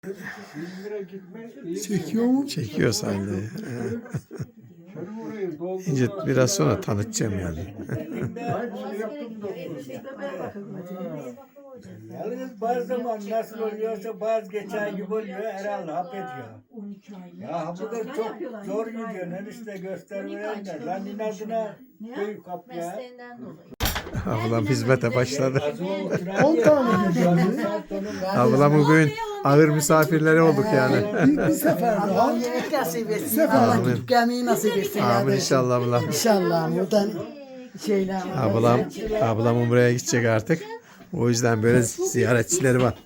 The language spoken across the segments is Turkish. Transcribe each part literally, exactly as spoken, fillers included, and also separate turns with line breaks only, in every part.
İzmir'e gitme.
Çekiyor mu?
Çekiyor sahilde. İnce biraz sonra tanıtacağım yani.
Yalnız bazı zaman nasıl oluyorsa bazı geçen gibi oluyor herhalde hap ediyor. Ya bu da çok zor gidiyor. Enişte göstermeyen de. Lan inadına büyük hap ya.
Mesleğinden dolayı.
Ablam hizmete başladı.
on tane gidiyor.
Ablam bugün ağır misafirleri olduk yani.
Bir, bir sefer daha.
Yemek nasip etsin.
Sefer.
Allah
Amin.
gidip gelmeyi nasip etsin.
Amin
kardeşim.
inşallah ablam.
İnşallah. Buradan şeyler.
Ablam, ablam buraya gidecek artık. O yüzden böyle ziyaretçileri var.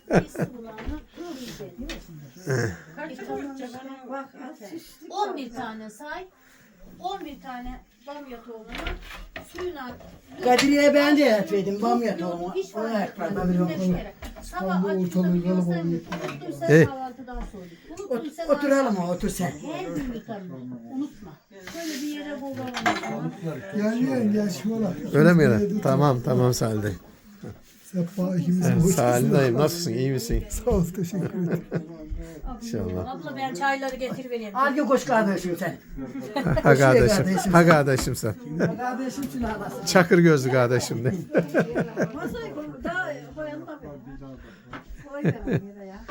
on bir tane say. on bir tane bamya tohumunu suyuna
Kadriye ben de etmedim. Bamya tohumu.
hiç
Onu
fark
ekmedim.
etmez. Beş kere. Sabah açıkta biliyorsan unuttuysa
Eh.
kahvaltıdan sonra.
Ot-
Unuttuysa
Oturalım o otur sen.
her gün yutarım. Unutma. Şöyle bir yere bulalım.
Yani yani yaşıyorlar.
Öyle mi yani? Tamam tamam Salih.
Sefa ikimiz boş.
Salih dayım nasılsın? İyi misin?
Sağ ol, teşekkür ederim.
İnşallah.
Abla ben çayları getir
Hangi koş kardeşim sen?
Ha kardeşim. Ha kardeşim sen.
Kardeşimsin anasın.
Çakır gözlü kardeşim de.
Masayı koy. Daha koyalım da. Koy verelim yere ya.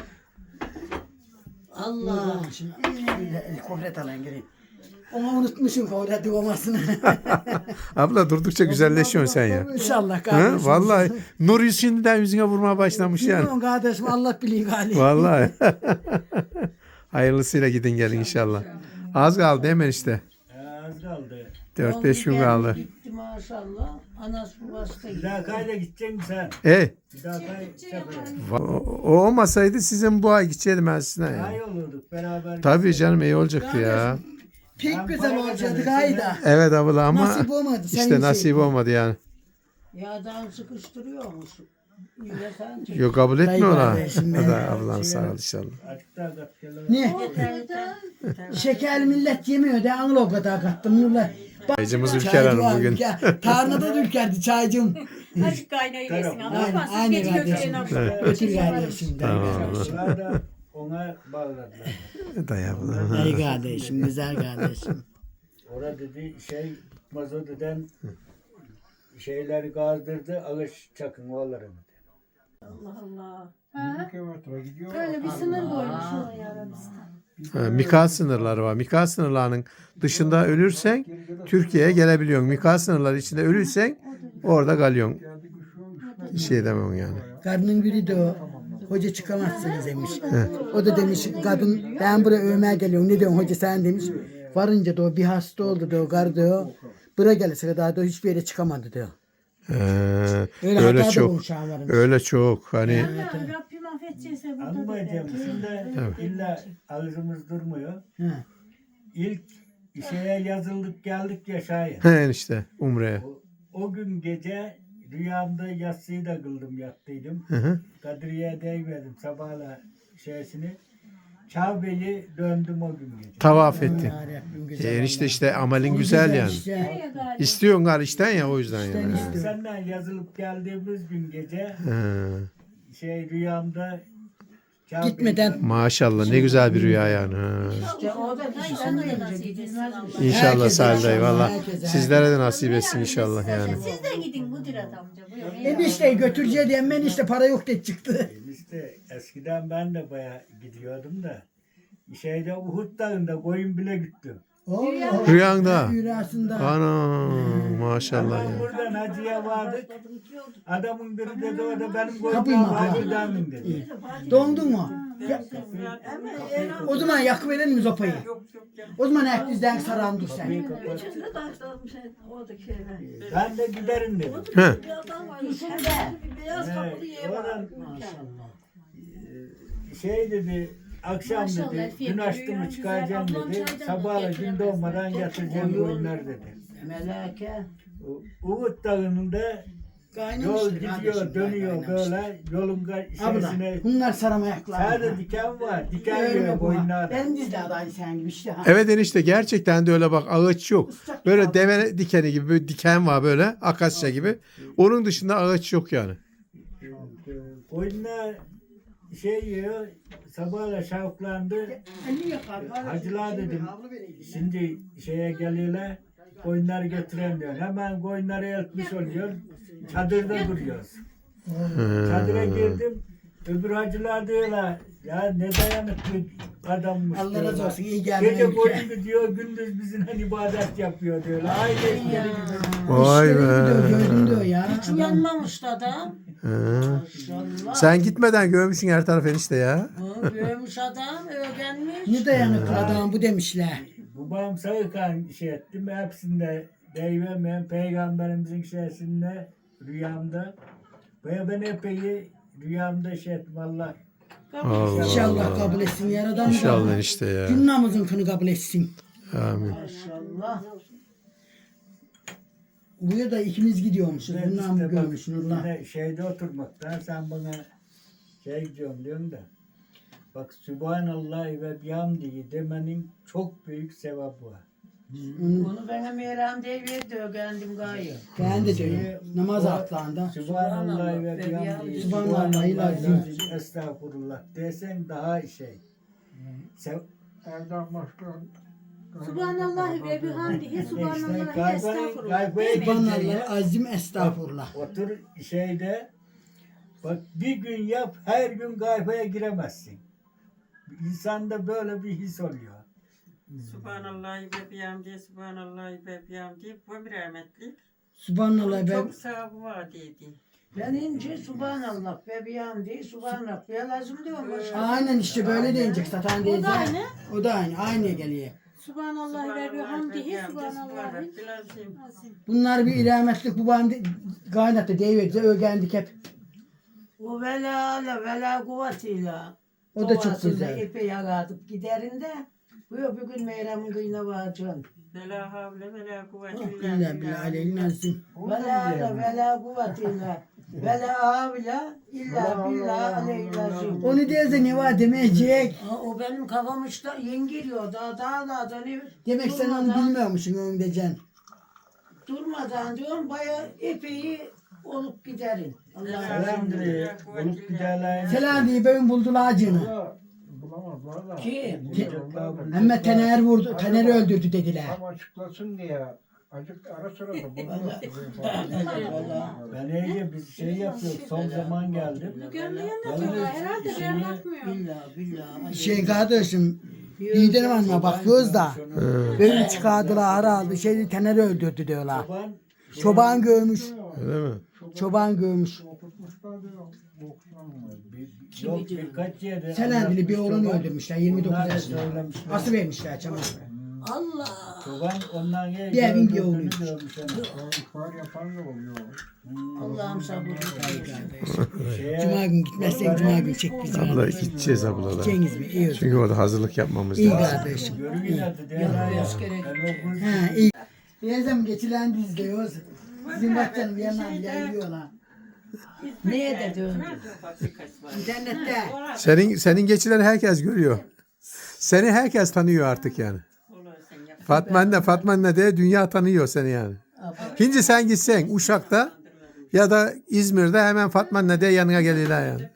Allah. Şimdi bir kohret alan gireyim. Onu unutmuşum kohreti olmasını.
Abla durdukça güzelleşiyorsun sen ya.
İnşallah
Ha?
kardeşim.
Vallahi nur yüz şimdiden yüzüne vurmaya başlamış yani.
Bilmiyorum kardeşim Allah biliyor galiba.
Vallahi. Hayırlısıyla gidin gelin inşallah. Az kaldı hemen işte.
Az kaldı.
dört beş gün kaldı.
Gitti maşallah. Anası babası da
Bir
gitti.
daha kayda gideceksin sen.
E,
Bir daha kay sefere.
o, o olmasaydı sizin bu ay gidecektim ben sizinle
Daha
ya.
iyi olurduk beraber.
Tabii canım iyi olacaktı ya.
Pek güzel olacaktı gayda.
Evet abla ama
Nasip olmadı. Senin
işte
şey.
nasip olmadı yani.
Yağdan sıkıştırıyormuş. Yine sen çek.
Yok kabul etmiyor
Dayı
ona.
kardeşim
O da
benim.
ablam sağ ol inşallah.
Açık daha katkılı.
Niye? Şeker millet yemiyor de anla o kadar kattım. Nurla. Bak,
Çaycımız Ülker
çaycı
Hanım
var,
bugün.
Ülker. Tarlada da Ülker'di çaycım.
Açık kaynayı yesin.
Aynen,
Ama siz
aynen
geçin
kardeşim.
götüreyin akşam.
Götür kardeşim. Dayı kardeşim.
Onlar da ona bağladılar.
Dayı abla.
Dayı kardeşim. Güzel kardeşim.
Orada dedi şey mazot eden şeyleri gazdırdı alış çakın oğullarını.
Allah Allah.
Bir kilometre gidiyor.
Öyle bir sınır koymuş oraya Arabistan.
Ha, Mika sınırları var. Mika sınırlarının dışında ölürsen Türkiye'ye gelebiliyorsun. Mika sınırları içinde ölürsen orada kalıyorsun. Bir şey demem yani.
Kadının biri de o. Hoca çıkamazsınız demiş. O da demiş kadın ben buraya övmeye geliyorum. Ne diyorsun hoca sen demiş. Varınca da o bir hasta oldu diyor. Gar diyor. Buraya gelirse kadar da hiçbir yere çıkamadı diyor.
Ee,
Öyle
öyle
hata da
çok.
bulmuş ağalarım.
Öyle çok. Hani
Rabbim affedecekse burada da
Anlayacağım. Şimdi illa ağzımız durmuyor.
He.
İlk şeye yazıldık geldik ya Şahin.
he işte Umre'ye.
O, o gün gece rüyamda yatsıyı da kıldım yattıydım.
Hı hı.
Kadriye'ye değmedim sabahla şeysini. Kabe'yi döndüm o gün gece.
Tavaf ettin.
Ya Rabbim güzel.
E, enişte işte amelin güzel yani.
işte.
İstiyorsun gal işten ya o yüzden yani.
İşte.
Senden yazılıp geldiğimiz gün gece
He.
şey rüyamda Kabe'yi
Gitmeden
Maşallah ne güzel bir rüya yani. Ha.
İşte o da bizden de gelecek. Gidilmez mi?
İnşallah
Herkese,
Salih dayı valla.
herkese.
Sizlere de nasip etsin inşallah yani.
Siz de gidin Kudret amca. Buyurun.
Enişte götüreceği diye ben işte para yok diye çıktı.
İşte eskiden ben de baya gidiyordum da şeyde Uhud Dağı'nda koyun bile gittim.
Allah.
Rüyanda.
Rüyasında.
Ana maşallah
Ama
ya.
buradan hacıya vardık. Adamın biri dedi o da benim
Kapıyı
koyunum
mı?
hacı demin dedi.
Dondun mu? Ya- o zaman yakı verelim mi sopayı? O zaman ayak bizden saran dur sen.
İçinde taşlanmış oradaki şeyler.
Ben de giderim dedim.
He.
Bir adam var içinde. Bir beyaz
Evet,
kapılı ev var.
oradan şey dedi akşam
Maşallah,
dedi
Elfiye
gün
bir
açtı
rüya
mı
güzel.
çıkaracağım
Ablam
dedi.
çaydan da
Sabahla gün
getiremez.
doğmadan yatıracağım koyunlar dedi.
Meleke.
U- Uhud Dağı'nda yol gidiyor dönüyor böyle yolun ga-
Abla
şeysine
bunlar saram ayaklar.
sadece diken var. Diken
Öyle
yiyor
bu.
boynuna.
Benim dizde adayı sen gibi işte. Ha.
Evet enişte gerçekten de öyle bak ağaç yok. Böyle deve dikeni gibi böyle diken var böyle akasya gibi. Onun dışında ağaç yok yani.
Koyunlar şey yiyor. Sabahla şavuklandı. Hacılar dedim. Şimdi şeye geliyorlar. Koyunları getiren diyor. Hemen koyunları eltmiş oluyor. Çadırda duruyoruz. Çadıra girdim. Öbür hacılar diyorlar. Ya ne dayanıklı adammış
Allah razı
diyorlar.
olsun, iyi geldi
Gece
ülke.
boyunca diyor, gündüz bizimle ibadet yapıyor diyorlar. Aynı işleri gibi.
Vay
İşleri
be.
gidiyor, gördün diyor ya.
Hiç
Adam.
uyanmamış adam.
He.
Maşallah.
Sen gitmeden görmüşsün her taraf enişte ya.
Hı, Görmüş adam, öğrenmiş.
Ne dayanıklı adam bu demişler.
Babam sağırken şey ettim. Hepsinde deyivemeyen peygamberimizin şeysinde rüyamda. Ve ben epey rüyamda şey ettim Allah.
Allah
İnşallah
Allah.
kabul etsin yaradan.
İnşallah
da.
enişte ya.
Gün namazınkını kabul etsin.
Amin.
Maşallah.
Buraya da ikimiz gidiyormuşuz.
Ben
Bundan
işte bak,
görmüş Nurullah.
yine şeyde oturmaktan sen bana şey gidiyorum diyorsun da. Bak Sübhanallah ve bihamdihi demenin çok büyük sevabı var.
Onu
Bunu bana Meyrem diye verdi, öğrendim gayet.
ben de
Şey,
diyorum. Namaz atlarında.
Sübhanallah ve bihamdihi.
Subhanallahil azim.
Estağfurullah desen daha şey. Sev
Subhanallah ve bihamdihi
işte
subhanallah
gayba,
estağfurullah.
gaybaya
Subhanallah azim estağfurullah.
Otur şeyde bak bir gün yap her gün gaybaya giremezsin. İnsanda böyle bir his oluyor.
Subhanallah ve bihamdi, Subhanallah ve bihamdi. Bu bir rahmetli.
Subhanallah ben
Çok sevabı var dedi.
Ben ince Subhanallah ve bihamdi, Subhanallah ve lazım diyorum. Başka.
aynen işte böyle deyince satan
O
diyecek.
da aynı.
O da aynı. Aynıya geliyor.
Subhanallah ve bihamdihi subhanallah.
Subhanallah lazım.
Bunlar bir ilametlik bu bana kaynattı deyiverdi. Öğrendik hep.
O vela ile vela kuvvetiyle.
O da çok
doğasında
güzel.
Epey yaratıp giderinde. Bu yok bir gün Meyrem'in kıyına varacağım.
Vela havle vela kuvvete
İlla billah aleyhin azim.
Vela ile vela kuvvetiyle. Vela havle illa billah aleyhillazim.
Onu derse ne var demeyecek.
Ha, o benim kafam işte yengiriyor. Daha daha daha da ne
Demek sen onu
durmadan-
bilmiyormuşsun onu diyeceksin.
Durmadan diyorum bayağı epey olup giderin. Allah'a
Elhamdülillah olup giderler.
Selam diye ben buldular acını.
Kim?
Ama Taner vurdu. Taner'i öldürdü dediler.
Tam açıklasın diye acık ara sıra da bunu
Ben iyice biz şey yapıyoruz. Son zaman geldi.
Gönlü anlatıyorlar. Herhalde ben anlatmıyor.
Billah billah.
Şey kardeşim. Liderim anına bakıyoruz da. Böyle çıkardılar herhalde. Şey Taner'i öldürdü diyorlar.
Çoban
Çoban görmüş.
Öyle mi?
Çoban görmüş.
oturtmuşlar diyor. Boksan mı?
bir, yok birkaç yerde.
Selendili bir oğlunu
Çoban-
öldürmüşler. yirmi dokuz
Onlar da
yaşında.
söylemişler.
Asıl vermişler çabuk.
Allah.
Çoban ondan ye.
Bir evin bir
gördüğünü
oğluymuş.
görmüş ama.
İhbar yapan da oluyor.
Allah'ım sabır.
Şeye-
Cuma gün gitmezsen Cuma gün çek bizi.
Abla gideceğiz abla da.
Cengiz mi? İyi olsun.
Çünkü orada hazırlık yapmamız
İyi
lazım.
kardeşim.
Görün yine de değerler ya. Ben o gün-
Ha iyi. Birazdan geçilen izliyoruz. Bizim bakcanın yanından yayılıyorlar.
Neye de döndü?
İnternette.
Senin senin geçileri herkes görüyor. Seni herkes tanıyor artık yani. Fatma anne, Fatma anne diye dünya tanıyor seni yani. Şimdi sen gitsen Uşak'ta ya da İzmir'de hemen Fatma anne diye yanına gelirler yani.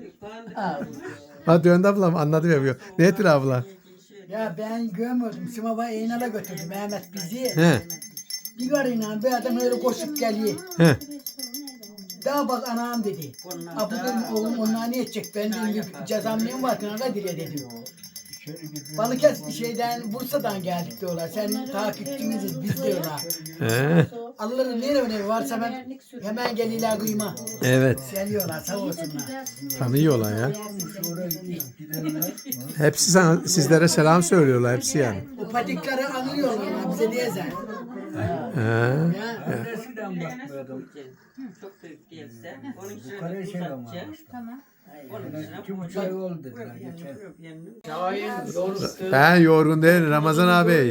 Ha döndü ablam anladı yapıyor. Nedir abla?
Ya ben görmüyordum. Simava Eynal'a götürdü Mehmet bizi.
He.
Bir garıyla bir adam öyle koşup geliyor.
He.
Daha bak anam dedi. Ha bu dedim oğlum onlar ne edecek? Ben dedim bir cezam neyim var? Kınaga dire dedim. Balıkesir şeyden Bursa'dan geldik diyorlar. Sen takipçimiziz biz diyorlar.
He.
Allah'ın ne önemi varsa ben hemen geliyorlar kıyma.
Evet.
Geliyorlar sağ olsunlar.
Tanıyorlar ya. Hepsi sana, sizlere selam söylüyorlar hepsi yani.
O patikleri anlıyorlar bize diyeceksin.
He.
Ya.
Eskiden bakmıyordum.
Çok büyük değilse. Onun için
Yukarıya şey ama.
uzatacağız.
Tamam.
Onun için
İki buçuk ay oldu dediler geçen.
Ben yorgun değil Ramazan abi.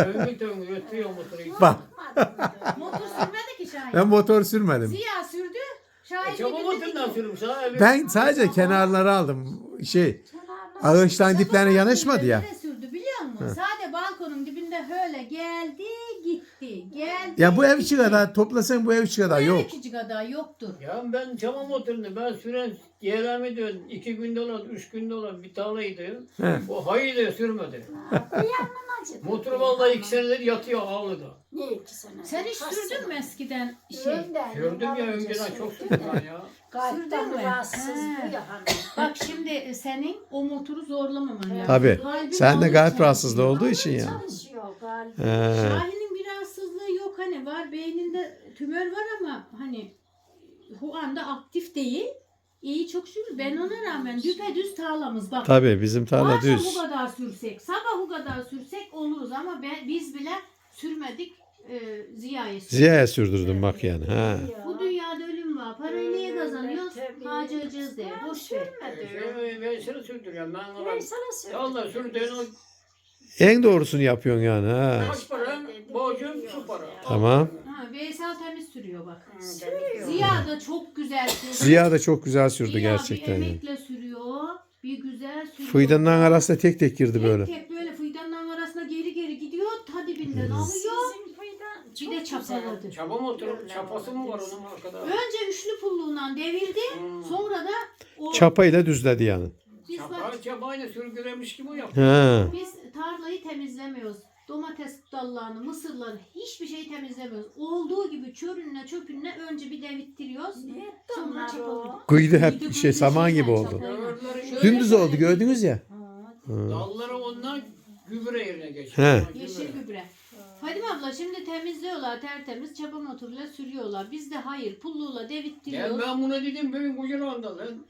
Bak
Motor sürmedi ki Şahin.
ben motor sürmedim.
Ziya sürdü. Şahin gidildi ki.
Ben sadece kenarları aldım. Şey ağaçtan diplerine yanaşmadı ya.
Nereye sürdü biliyor musun? Sade balkonun dibinde öyle geldi gitti. Geldi.
Ya bu ev içi kadar toplasan bu ev içi kadar yok.
İkinci kadar yoktur.
Ya ben tamam oturdum. Ben süren yeğlem ediyorum. İki günde olan, üç günde olan bir tarlaydı.
He.
O hayır diyor sürmedi. Motor vallahi iki senedir yatıyor ağlıda.
Ne iki sene?
Sen hiç sürdün mü eskiden şey?
Sürdüm ya önceden çok sürdüm ben ya.
Kalpten
Sürdün mü?
rahatsız
He.
bu ya hani.
Bak şimdi senin o motoru zorlamaman lazım.
Tabii.
Kalbin
Sen de
onu
kalp
çalışıyor.
rahatsızlığı olduğu için yani.
Çalışıyor galiba.
He.
Şahin'in bir rahatsızlığı yok hani var beyninde tümör var ama hani bu anda aktif değil. İyi çok şükür. Ben ona rağmen düpedüz tarlamız bak.
Tabii bizim tarla
Akşam
düz.
bu kadar sürsek, sabah bu kadar sürsek oluruz ama ben, biz bile sürmedik e, Ziya'ya sürdük.
Ziya'ya sürdürdüm bak yani. Ha.
Bu dünyada ölüm var. Parayı niye kazanıyoruz?
tabii.
Harcayacağız diye. Boş ver.
Şey, ben seni sürdürüyorum. Ben
Ben
ona
sana söyleyeyim.
Allah sürdüğün o
En doğrusunu yapıyorsun yani. Ha.
kaç para? Borcum şu para.
Tamam.
Ha, Veysel temiz sürüyor bak.
Sürüyor.
Ziya da çok güzel sürüyor.
Ziya da çok güzel sürdü
Ziya
gerçekten.
bir
Yani.
emekle sürüyor. Bir güzel sürüyor.
Fıydanın arasında tek tek girdi
Tek
böyle.
tek böyle fıydanın arasına geri geri gidiyor. Ta dibinden alıyor.
Sizin faydan
Bir
çok
de
güzel.
çapaladı.
Çaba motoru, çapası mı var onun arkada?
Önce üçlü pulluğundan devirdi.
Hmm.
Sonra da o
Çapayla düzledi yani.
biz bak
Çapa, çabayla sürgülemiş gibi yapıyor.
Ha.
biz tarlayı temizlemiyoruz. Domates dallarını, mısırları hiçbir şeyi temizlemiyoruz. Olduğu gibi çörünle çöpünle önce bir devittiriyoruz.
Ne etti
Sonra
onlar
çapalıyoruz.
o?
Kıydı hep
Kıydı
şey
kıydı
saman
şeyler,
gibi oldu.
çapayla.
Öbürleri
Şöyle
Dümdüz oldu
şöyle
gördünüz ya.
dalları onlar gübre yerine geçiyor.
He.
Gübre.
Yeşil gübre. Fadime abla şimdi temizliyorlar tertemiz çapa motoruyla sürüyorlar. Biz de hayır pulluğuyla
Ya
devittiriyoruz.
ben buna dedim benim kocaman lan.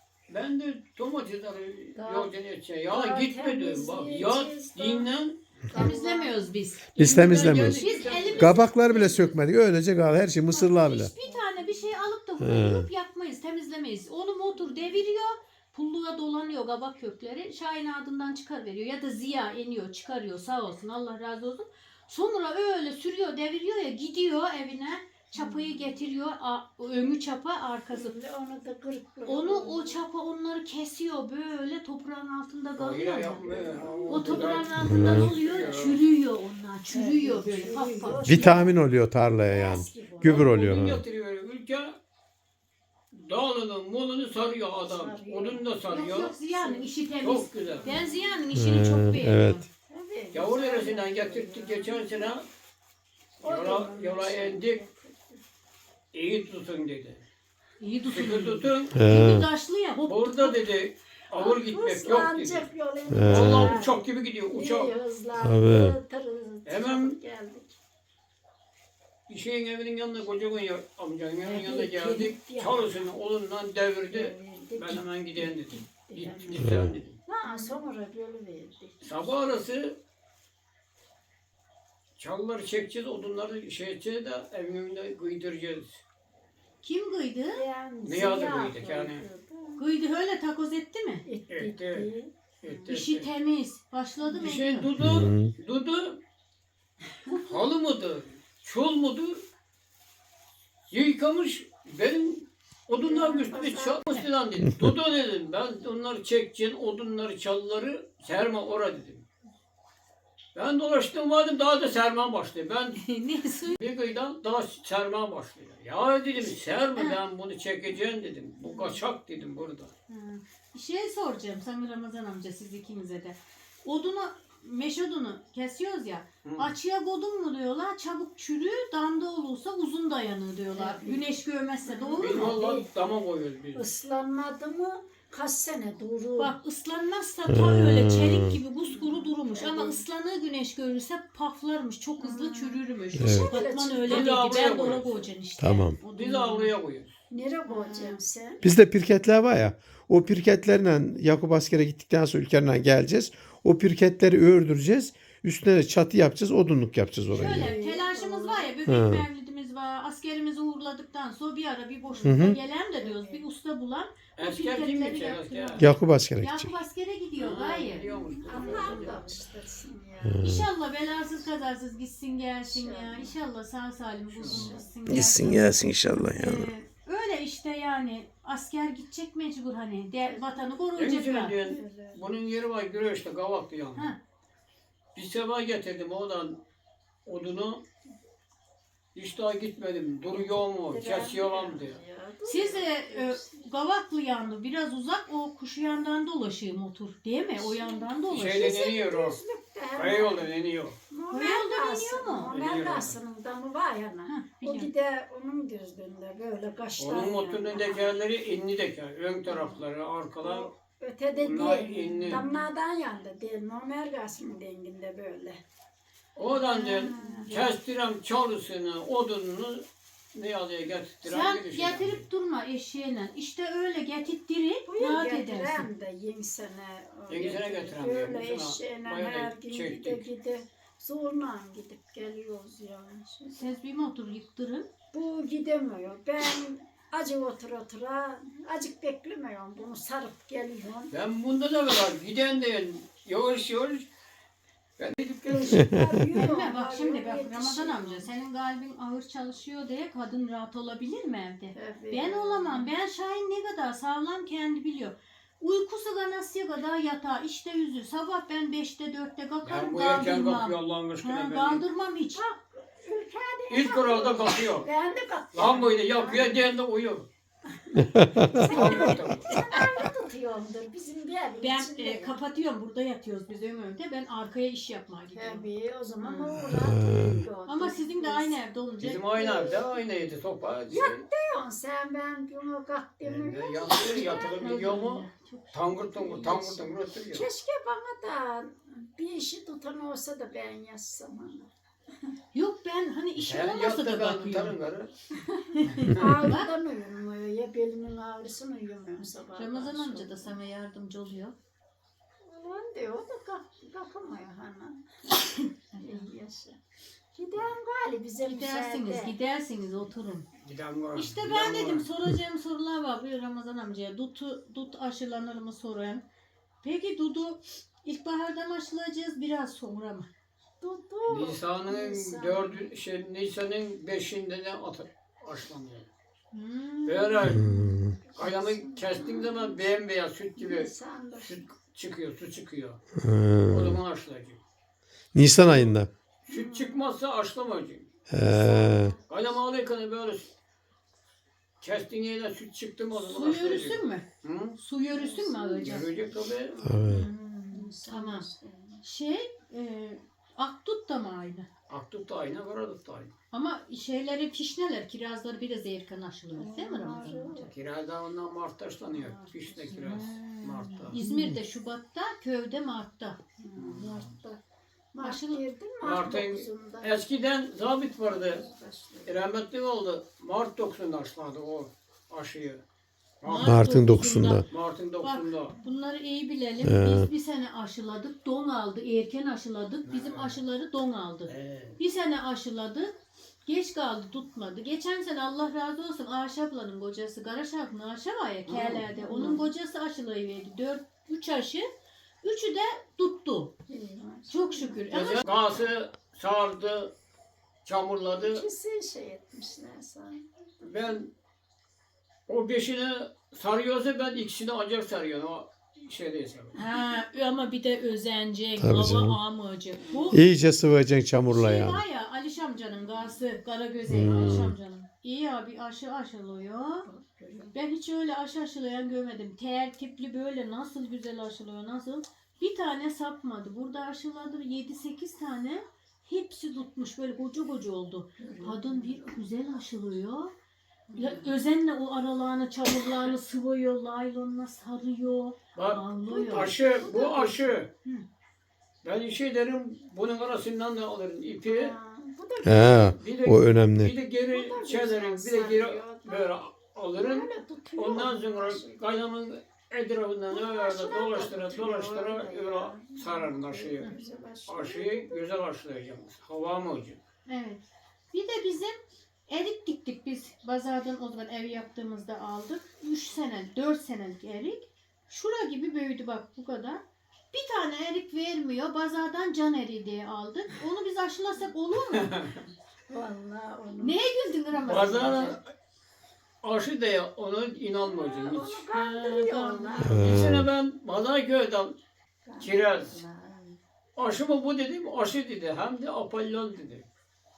Ben de domatesleri yolcan edeceğim. Ya
Daha
gitme diyorum bak. Ya
temizleyeceğiz, daha-
dinlen.
Temizlemiyoruz biz.
Biz temizlemiyoruz.
Biz elimiz
Kabaklar bile sökmedik. Öylece kaldı. Her şey mısırlar bile.
Bir tane bir şey alıp da huyup yakmayız, temizlemeyiz. Onu motor deviriyor, pulluğa dolanıyor kabak kökleri. Şahin ardından çıkar veriyor ya da Ziya iniyor, çıkarıyor sağ olsun Allah razı olsun. Sonra öyle sürüyor, deviriyor ya gidiyor evine. Çapayı getiriyor, a- önü çapa arkası.
Onu da kırık kırık.
Onu o çapa onları kesiyor böyle toprağın altında
Hayır
kalıyor.
yapmıyor.
O toprağın altından oluyor, çürüyor onlar, çürüyor böyle paf paf.
Vitamin oluyor tarlaya yani. Gübre oluyor.
Odun
Ha.
getiriyor ülke. Dağını, molunu sarıyor adam. Odun da
Yok
sarıyor.
yok Ziya'nın işi temiz.
Çok güzel.
Ben Ziya'nın işini çok
Ee,
beğeniyorum.
evet.
Tabii.
Yavur neresinden getirttik geçen sene. Yola, yola indik. İyi tutun dedi.
İyi
Sıkı
tutun.
tutun.
He.
Şimdi taşlı ya hop.
Burada dedi ağır gitmek yok dedi.
Hızlanacak yol indik.
Vallahi uçak gibi gidiyor uçak.
İyi hızlandı.
Tabii.
tırız,
Hemen-
geldik.
Bir şeyin evinin yanına kocaman ya, amcanın evinin yanına
Evet,
geldik.
kilitli.
Çalısını olundan devirdi.
Devirdik.
Ben hemen gideyim dedim. Git,
Evet.
git sen dedim.
Ha, sonra yolu verdik.
Sabah arası çalıları çekeceğiz, odunları şey edeceğiz de evin önünde kıydıracağız.
Kim kıydı?
Yani
Ne yazık
ziya
mıydık yani?
koydu.
Kıydı öyle takoz etti mi?
Etti,
Etti.
etti.
Etti,
İşi
etti.
temiz. Başladı mı?
Bir şey
ediyor.
dudu, dudu, halı mıdır, çul mudur, yıkamış, benim odunlar üstüne çalmış falan dedim. Dudu dedim, ben onları çekeceğim, odunları, çalıları serme ora dedim. Ben dolaştım vardım, daha da sermem başladı. Ben
ne su?
bir kıyıdan daha sermem başlıyor. Ya dedim, serme ben bunu çekeceğim dedim. Bu kaçak dedim burada.
Bir şey soracağım sana Ramazan amca siz ikinize de. Odunu, meş odunu kesiyoruz ya.
Hı.
Açıya kodun mu diyorlar. Çabuk çürüyor. Damda olursa uzun dayanır diyorlar. Güneş görmezse doğru
Biz
mu?
vallahi dama koyuyoruz biz.
Islanmadı mı kaç sene durur.
Bak ıslanmazsa ta öyle çelik gibi kuskuru durmuş ama ıslanığı güneş görürse paflarmış çok hızlı çürürmüş.
Evet.
Batman öyle
Bir
dedi
de
ben
avluya
de ona
koyuyoruz.
koyacaksın işte.
Tamam.
O
Biz
da-
avluya koyuyoruz.
Nereye koyacaksın sen?
Bizde pirketler var ya. O pirketlerle Yakup askere gittikten sonra ülkerine geleceğiz. O pirketleri ördüreceğiz. Üstüne de çatı yapacağız. Odunluk yapacağız oraya.
Şöyle telaşımız var ya bebek
Hı.
mevlidimiz var. Askerimizi uğurladıktan sonra bir ara bir
Hı
boşlukta
hı.
gelen de diyoruz. Bir usta bulan.
Asker
pirketleri
kim geçer
yaptırıyor.
asker?
Yakup askere gidecek.
Yakup askere gidiyor gayet.
Biliyormuş.
Allah bağışlasın ya.
İnşallah belasız kazasız gitsin gelsin ya. İnşallah sağ salim bulsun gitsin gelsin.
Gitsin gelsin inşallah
Ee, öyle işte yani asker gidecek mecbur hani de, vatanı
Benim
koruyacaklar.
için diyorsun, bunun yeri var Güreş'te Kavak'ta yani.
Ha.
Bir sabah getirdim oradan odunu hiç daha gitmedim. Duruyor mu? Kesiyor mu diye.
Siz e, e, Gavaklı yandı biraz uzak o kuşu yandan dolaşıyor motor değil mi? O yandan dolaşıyor.
Şeyde deniyor o. Kaya yolda deniyor.
Koyalda deniyor mu?
Mergasının damı var yana.
Hah,
O
biliyorum.
gider onun gözünde böyle kaşlar.
Onun motorunun
yani.
tekerleri inni teker. Ön tarafları, arkalar.
Ötede
Bunlar
değil.
inni.
Damlardan yandı değil. O mergasının denginde böyle.
Oradan da kestirem çalısını, odununu ne yazıya getirtirem.
Sen
gidişim.
getirip durma eşeğine. İşte öyle getirttirip
Bu yıl
rahat edersin.
getiren de yeni sene. o
Yeni sene
getirir.
getiren de
Böyle
yapmış ama
eşeğine
bayağı
her gün gide
çektik.
gide. Zorla gidip geliyoruz yani.
Siz bir motor yıktırın.
Bu gidemiyor. Ben acı otur otura, acık beklemiyorum. Bunu sarıp geliyorum.
Ben bunda da var. Giden de yavaş yavaş. Ben gidip geliyorum.
Gelme bak şimdi bak Ramazan amca senin kalbin ağır çalışıyor diye kadın rahat olabilir mi evde? Ben olamam. Ben Şahin ne kadar sağlam kendi biliyor. Uykusu ganasıya kadar yatağa işte yüzü. Sabah ben beşte dörtte
Ben
kalkarım
bu erken
kaldırmam.
kalkıyor Allah'ın
Ha,
aşkına. Ben.
kaldırmam hiç.
İlk kuralda kalkıyor.
Ben de kalktım.
Lambayı da yakıyor, diğerinde uyuyor.
Tutuyorumdur bizim bir evin
Ben
içinde.
e, kapatıyorum burada yatıyoruz biz önde. Ben arkaya iş yapmaya gidiyorum.
Tabii o zaman
Hmm.
o rahat
Ama sizin de aynı evde olunca.
Bizim aynı evde aynıydı sopa. Şey,
diyorsun sen ben bunu kalk
ben de
demiyorum.
yatıyor, yatılıp gidiyor mu? Tangır tungur, tangır tungur oturuyor.
Keşke bana da bir işi tutan olsa da ben yazsam ona.
Yok ben hani işim
Sen
olmasa
yat
da
da ben
bakıyorum.
tutarım karı.
Ağrıdan uyumuyor ya belimin ağrısını uyumuyor sabah.
Ramazan amca da sana yardımcı oluyor.
Ulan diyor o da kalk, kalkamıyor hani. İyi yaşa. Giden galiba bize
Gidersiniz,
müsaade.
gidersiniz oturun.
Giden var.
İşte
giden
ben
var.
dedim soracağım sorular var buyur Ramazan amcaya. Dutu, dut aşılanır mı soruyorum. Peki Dudu ilkbaharda mı aşılayacağız biraz sonra mı?
Dudu.
Nisan'ın
Nisan.
dördü, şey, Nisan'ın beşinde de atı açlanıyor.
Hmm.
Böyle ayağını kestiğin zaman bembeyaz süt gibi
Nisan'da.
süt çıkıyor, su çıkıyor.
Ha.
O zaman aşılayacak.
Nisan ayında.
Süt çıkmazsa aşılamayacak.
He.
Ayağım ağlayken böyle kestiğin yerine süt çıktı mı o
Su
zaman aşılayacak.
yörüsün mü?
Hı?
Su yörüsün mü alacağız?
Yürüyecek tabii.
Tabii.
Tamam. Şey, e, Akdut da mı aynı?
Aktut da aynı, Karadut da aynı.
Ama şeyleri fişneler, kirazları biraz erken aşılıyor değil mi Ramazan amca?
Kiraz da ondan Mart'ta açlanıyor. Fiş de kiraz Mart'ta.
İzmir'de Şubat'ta, köyde Mart'ta.
Mart'ta. Mart
Aşılı-
girdin mi?
Mart'ın
dokuzunda.
eskiden zabit vardı. Rahmetli oldu. Mart dokuzunda aşıladı o aşıyı.
Mart'ın dokuzunda.
Mart'ın dokuzunda.
Bunları iyi bilelim.
Ee.
Biz bir sene aşıladık, don aldı. Erken aşıladık. Bizim aşıları don aldı.
Ee,
Bir sene aşıladık. Geç kaldı, tutmadı. Geçen sene Allah razı olsun Ayşe ablanın kocası, Garaş ablanın Ayşe var ya K'lerde. Onun kocası aşılayıverdi. Dört, üç aşı. Üçü de tuttu. Çok şükür. Ama
gece gazı sardı, çamurladı.
İkisi şey etmişler sana.
Ben o beşini sarıyorsa ben ikisini ancak sarıyorum. O şey değilse.
ha, ama bir de özenecek,
Tabii canım.
hava almayacak. Bu
İyice sıvayacaksın çamurla
şey
yani.
var ya Aliş amcanın gazı, Karagöze
Hmm.
Aliş amcanın. İyi abi aşı aşılıyor. Ben hiç öyle aşı aşılayan görmedim. Tertipli böyle nasıl güzel aşılıyor nasıl. Bir tane sapmadı. Burada aşıladı yedi sekiz tane. Hepsi tutmuş böyle koca koca oldu. Kadın bir güzel aşılıyor. Ya, özenle o aralarını, çamurlarını sıvıyor, laylonla sarıyor,
Bak
ağlıyor.
aşı, bu aşı.
Hı.
Ben şey derim, bunun arasından da alırım ipi.
Ha, bu da
He,
Bir de,
o önemli.
bir de geri çelerim, bir de geri böyle alırım.
böyle tutuyor.
Ondan sonra
Aşı.
kaynamın etrafından öyle dolaştıra dolaştıra öyle sararım aşıyı.
Güzel aşı.
Aşıyı güzel aşılayacağım. Hava mı hocam?
Evet. Bir de bizim erik diktik biz. Pazardan o zaman ev yaptığımızda aldık. üç sene, dört senelik erik. Şura gibi büyüdü bak bu kadar. Bir tane erik vermiyor. Pazardan can eriği diye aldık. Onu biz aşılasak olur mu?
Vallahi onu.
Neye güldün Ramazan?
Bazen aşı diye ona inanmayacağım
Onu
hiç.
kandırıyorlar.
Bir sene ben Pazarköy'den kiraz. Aşı mı bu dedim, aşı dedi. Hem de apollon dedi.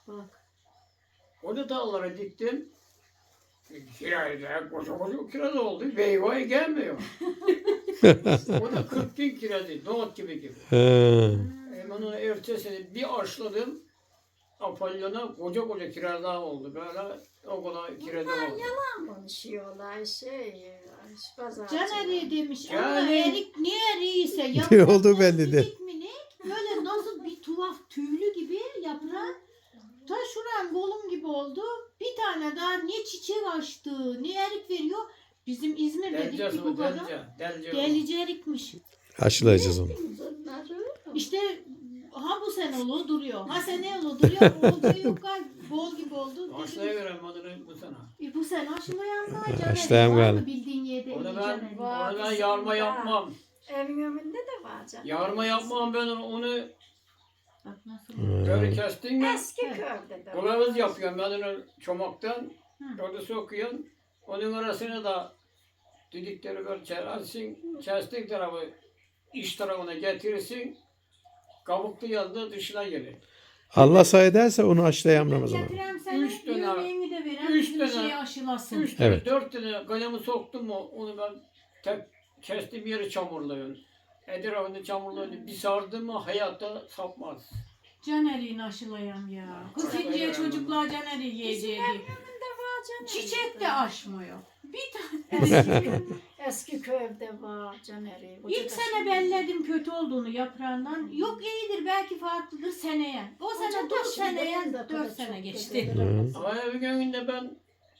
Bak.
O da dağlara diktim. Kirayla koca koca kiraz oldu. Meyveye gelmiyor. O da kırk bin kirazı. Nohut gibi gibi.
He.
Hemen onu ertesini bir aşladım. Apollon'a koca koca kirazlar oldu. Böyle o kadar kiraz oldu.
Yalan konuşuyorlar şey. Pazarcı.
Caner demiş ama
Yani-
erik ne eriyse
Ne
yaprak
olduğu belli değil.
minik minik böyle nasıl bir tuhaf tüylü gibi yaprağı ta şuran kolum gibi oldu. Bir tane daha ne çiçek açtı ne erik veriyor. Bizim İzmir'de
Delce
bir
su,
kupada
delce. Delce.
delice erikmiş.
Aşılayacağız onu.
Bunları.
İşte ha bu sene olu duruyor. Ha sene olu duruyor. Oldu yok galiba. Bol gibi oldu. Dedim,
Aşılayıverem adını bu sene.
e, bu sene aşılayan da Caner.
Aşılayan
Var
galiba.
mı bildiğin yerde
Onu
eli
ben,
Caner?
Var.
onu ben yarma yapmam.
Evin önünde de var canım.
Yarma yapmam ben onu, onu
Bak nasıl.
böyle kestin mi?
Eski köyde de var.
Kılavuz yapıyorum ben onu çomaktan.
Hı.
Orada sokuyorsun. Onun arasına da didikleri böyle çerersin. Kestik tarafı iç tarafına getirirsin. Kabuklu yanında dışına gelir.
Allah say ederse onu aşılayamam Ramazan.
Getirem seni.
Üç tane-
Yemeğini de veren
üç
bizim
tane-
şeyi aşılasın.
Üç tane,
Evet.
dört tane kalemi soktum mu onu ben tek kestiğim yeri çamurluyorum. Etrafını çamurluyorum. Bir sardım mı hayatta sapmaz.
Caner'in aşılayan ya. Kız inciye çocuklar Caner'i yiyeceği.
Önünde var canım.
Çiçek de aşmıyor. Bir tane.
Eski, eski köyde var Caner'i.
İlk sene belledim kötü olduğunu yaprağından. Yok iyidir belki farklıdır seneye. O sene dur seneye dört sene geçti.
Ama bir gününde ben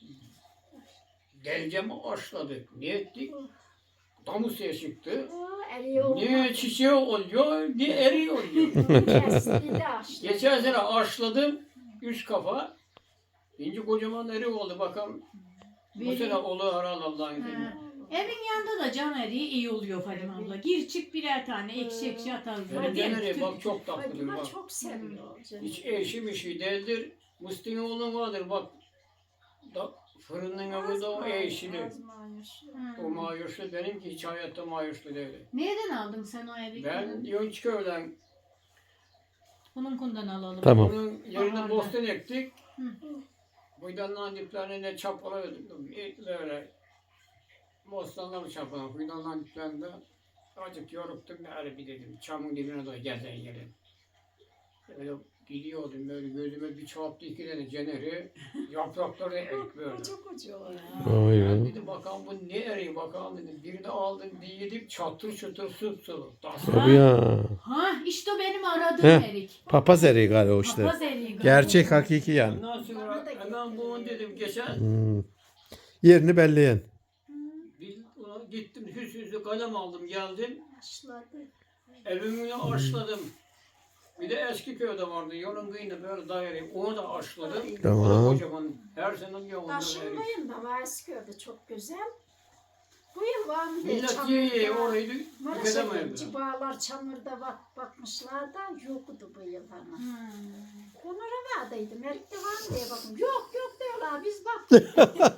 delcemi aşladık. Ne ettik? Damusya çıktı. Ne çiçeği oluyor, ne eri oluyor. Geçen sene aşladım, üç kafa. İnci kocaman eri oldu bakalım. Bu sene olur herhalde Allah'ın izniyle.
Ha. Evin yanında da Caner'i iyi oluyor Fadime abla. Gir çık birer tane ekşi ekşi atarız.
Benim Caner'i bak çok tatlıdır
Fatıma
bak.
çok seviyor Caner'i.
Hiç eşi bir şey değildir. Musti'nin oğlun vardır bak. Da, fırının önünde o eşili. O mayuşlu benimki hiç hayatta mayuşlu değil.
Nereden aldın sen o evi?
Ben Yonçköy'den
Bunun kundan alalım.
Tamam.
onun yerine
Baharda.
bostan ektik.
Hı.
Fidanların diplerine çapaladık. Böyle bostanları çapaladık. Fidanların diplerinde azıcık yoruktum. Öyle bir dedim. Çamın dibine doğru gezen yerim. Öyle gidiyordum böyle gözüme bir çarptı iki tane Caner'i. Yaprakları erik böyle.
Çok ucu var.
Oy
Ben
be.
dedim bakalım bu ne eriği bakalım dedim. Birini aldım bir yedim çatır çatır sıpsılı.
Tabii ya.
Ha işte o benim aradığım
Heh.
erik.
Papaz eriği galiba o işte.
Papaz eriği galiba.
Gerçek hakiki yani.
Ondan sonra hemen bunu dedim geçen
Hmm. Yerini belleyen.
bir, ulan gittim hüs hüsü kalem aldım geldim.
Başladı.
Evimi aşladım. Bir de eski köyde vardı. Yolun kıyında böyle daire. Onu da aşladım.
Tamam.
O da kocaman. Her sene bir yolunda erik.
Taşınmayın da var eski köyde çok güzel. Bu yıl var mı diye
Millet yiye orayı
Maraş'a
tüketemiyordu.
cibalar çamurda bak, bakmışlar da yoktu bu yıl hani.
Hmm.
Onlara vardıydım. Erik'te var mı diye bakın. Yok yok diyorlar biz baktık.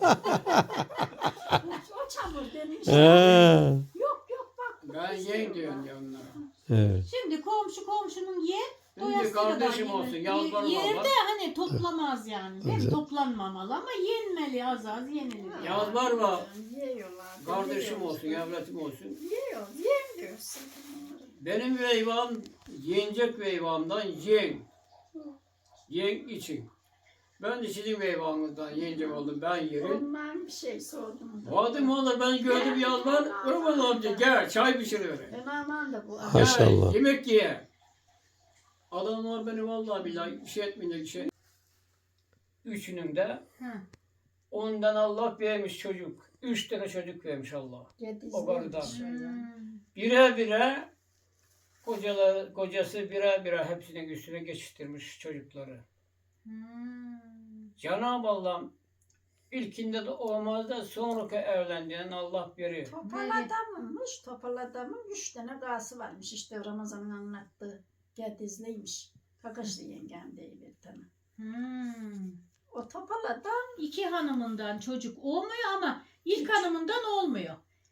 O çamur demiş.
Ha.
Yok yok bak.
Ben yiyin diyorum ya onlara.
Evet.
Şimdi komşu komşunun yer
Benim de
doyasıya kadar
kardeşim
yenir.
olsun. Yalvarırım
Yerde
Allah.
hani toplamaz yani. Değil mi? Toplanmamalı ama yenmeli az az yenilir.
Yaz var mı?
Yiyorlar.
Kardeşim
yiyorlar.
olsun, evlatim olsun.
Yiyor. Yem diyorsun.
Benim veyvam yenecek veyvamdan yen. Yen için. Ben de sizin veyvanınızdan yenecek oldum. Ben yerim.
Ondan bir şey sordum.
Vadim valla ben gördüm yaz var. Kurban amca gel çay pişiriver.
Ben aman da bu.
Ha. Maşallah.
Gel, yemek ye. Adamlar beni vallahi billahi bir şey etmeyecek şey. Üçünün de
Hı.
ondan Allah vermiş çocuk. Üç tane çocuk vermiş Allah. O karıdan.
Hmm.
Bire bire kocalar, kocası bire bire hepsinin üstüne geçiştirmiş çocukları.
Hmm.
Cenab-ı Allah ilkinde de olmaz da sonraki evlendiğin Allah biri.
Topal adammış. Topal adamın üç tane gası varmış. İşte Ramazan'ın anlattığı. Gedizliymiş. Kakaşlı yengem değil bir tane.
Hmm.
O topal adam
İki hanımından çocuk olmuyor ama ilk hanımından olmuyor.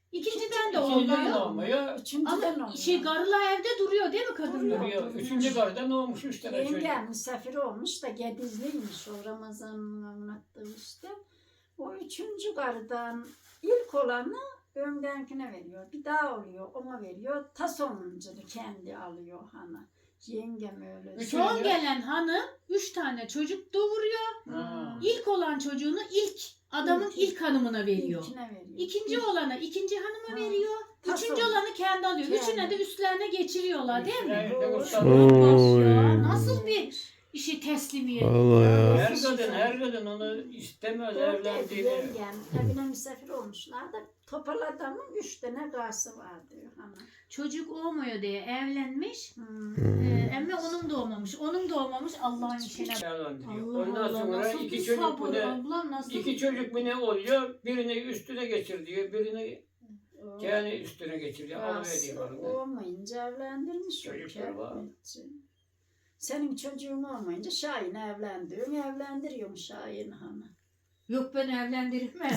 İkinciden de
İkinciden de
olmuyor.
olmuyor.
Üçüncüden
Ama
oluyor.
şey karılar evde duruyor değil mi kadınlar?
Duruyor. Üçüncü karıda ne olmuş? Üç tane çocuk.
Yengem misafir olmuş da Gedizliymiş o Ramazan'ın anlattığı işte. O üçüncü karıdan ilk olanı ömdenkine veriyor. Bir daha oluyor ona veriyor. Ta sonuncunu kendi alıyor hanı. Yengem öyle.
Üç-
Son
Üçüncü-
gelen hanım üç tane çocuk doğuruyor.
Ha.
İlk olan çocuğunu ilk adamın
İlk-
ilk hanımına veriyor.
İlkine veriyor.
İkinci olana ikinci hanıma
Ha.
veriyor.
Ta
Üçüncü
son.
olanı kendi alıyor.
Kendi.
Üçüne de üstlerine geçiriyorlar değil mi?
Evet, evet,
Doğru.
tabii.
Ya, nasıl bir işi teslimiyet?
Vallahi ya.
Her kadın, her kadın onu istemez
Doğru dedi
evlendiğini.
yengem. Evine misafir olmuşlar da topal adamın üç tane gası var diyor hanım.
Çocuk olmuyor diye evlenmiş.
Hmm.
Ee, emme onun doğmamış. Onun doğmamış Allah'ın işine.
Evlendiriyor.
Allah
Ondan
Allah,
sonra
nasıl
iki
bir
çocuk
sabır
bu ne?
ablam, nasıl
İki çocuk mu ne oluyor? Birini üstüne geçir diyor. Birini
O-
kendi üstüne geçiriyor.
Gası
Alıveriyor.
olmayınca evlendirmiş.
Çocukları var.
Kermetçi. Senin çocuğun olmayınca Şahin evlendiriyor. Evlendiriyorum Şahin hanı.
Yok ben evlendirmem.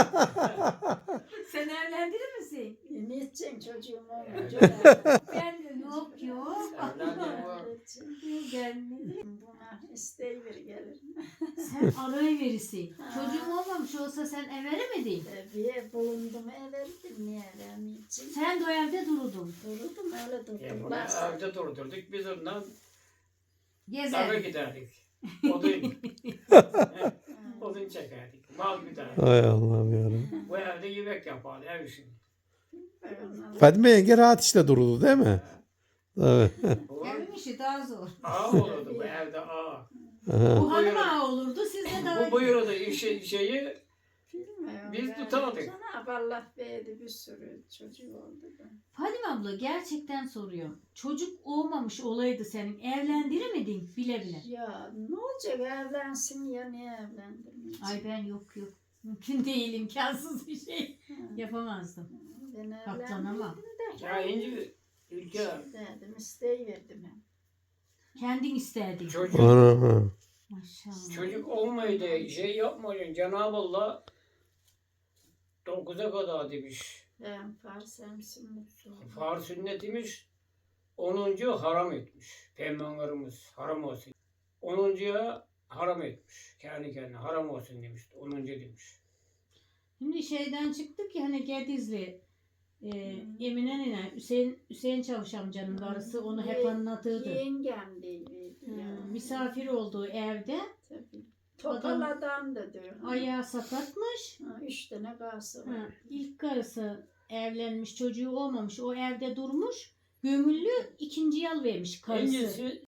Sen evlendirir misin?
E, ne edeceksin çocuğum olmayınca?
Ben de yok yok.
Evlendireceğim.
Gelmedi.
Buna isteği bir gelir.
Sen arayı verirsin.
Ha.
Çocuğum olmamış olsa sen everemedin.
Bir bulundum everdim niye vermeyeceğim?
Sen de o evde dururdun.
Durdum öyle durdum.
Ya bunu
Ulan
evde durdurduk. Biz ondan dağa
Gezer.
giderdik. Odun. Odun çekerdik. Mal giderdik.
Hay Allah'ım yarabbim.
Bu evde yemek yapardı ev işini.
Fatma yenge rahat işte durdu değil mi? Evet.
Bu
Evin işi daha zor.
ağa olurdu bu evde ağa.
Aha.
Bu hanım ağa olurdu. Siz de daha
Bu buyurdu işi, şeyi
Bilmiyorum.
Biz
ben.
tutardık.
Cenab-ı Allah verdi bir sürü çocuk oldu da.
Fadime abla gerçekten soruyorum. Çocuk olmamış olaydı senin. Evlendirir miydin bile bile?
Ya ne olacak evlensin ya niye evlendirmeyecek?
Ay ben yok yok. Mümkün değil, imkansız bir şey.
Ha,
Yapamazdım.
ben
Katlanamam.
evlendirdim de.
ya ince ülke
Dedim isteği verdim hem.
Kendin isterdin.
çocuk
Ana.
Maşallah.
çocuk olmaydı şey yapmayın Cenab-ı Allah dokuza kadar demiş.
Hem Fars hem sünnet oldu.
Far sünnet demiş. Onuncu haram etmiş. Peygamberimiz haram olsun. Onuncuya haram etmiş. Kendi kendine haram olsun demişti. Onuncu demiş.
Şimdi şeyden çıktık ya hani Gedizli. E, Emine nene, Hüseyin, Hüseyin Çavuş amcanın karısı onu hep anlatırdı.
Yengem değil.
Hı,
Ya.
misafir olduğu evde
Tabii. Topal adam da diyor.
ayağı sakatmış.
Ha, üç tane gası var.
Ha, ilk karısı evlenmiş, çocuğu olmamış, o evde durmuş. Gömüllü ikinci yıl vermiş karısı.
İkincisi